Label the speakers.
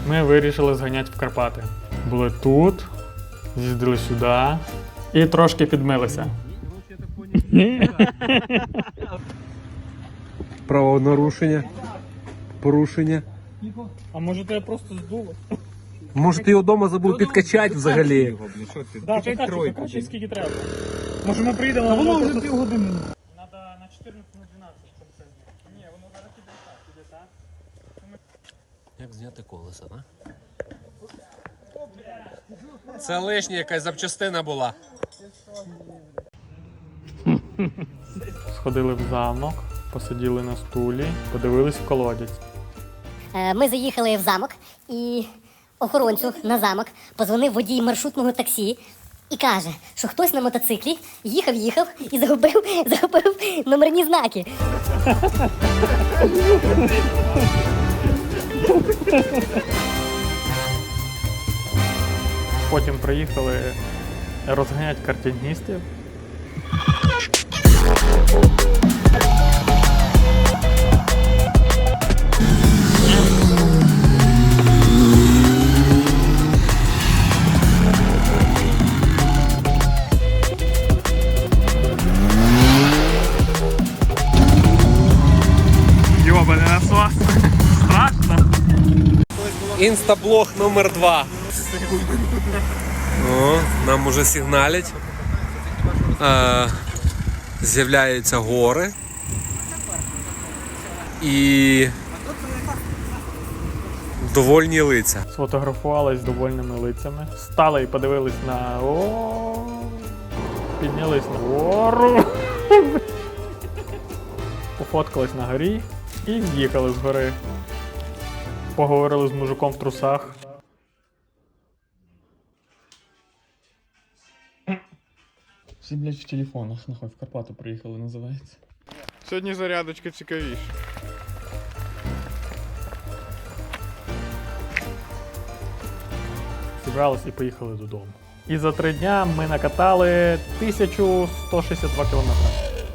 Speaker 1: Ми вирішили зганяти в Карпати. Були тут, з'їздили сюди і трошки підмилися.
Speaker 2: Правонарушення. Порушення.
Speaker 1: А може тебе просто здуло?
Speaker 2: Може ти його вдома забув підкачати взагалі?
Speaker 1: Так, покачай скільки треба. Може ми приїдемо, а воно вже півгодини. Треба на 14 на 12, щоб це зняти. Ні, воно зараз піде так.
Speaker 2: Як зняти колеса, да? Це лишня якась запчастина була.
Speaker 1: Сходили в замок, посиділи на стулі, подивились в колодязь.
Speaker 3: Ми заїхали в замок, і охоронцю на замок позвонив водій маршрутного таксі і каже, що хтось на мотоциклі їхав і загубив номерні знаки.
Speaker 1: Потім приїхали розганяти картиністів. Йобаний насос. Страшно.
Speaker 2: Інстаблог номер 2. О, нам уже сигналять. З'являються гори. І довольні лиця.
Speaker 1: Сфотографувались з довольними лицями. Стали і подивились на піднялись на гору. Пофоткались на горі і з'їхали з гори. Поговорили з мужиком в трусах. Всі, блядь, в телефонах, нахуй, в Карпати приїхали, називається.
Speaker 4: Сьогодні зарядочка цікавіша.
Speaker 1: Зібрались і поїхали додому. І за 3 дня ми накатали 1162 кілометри.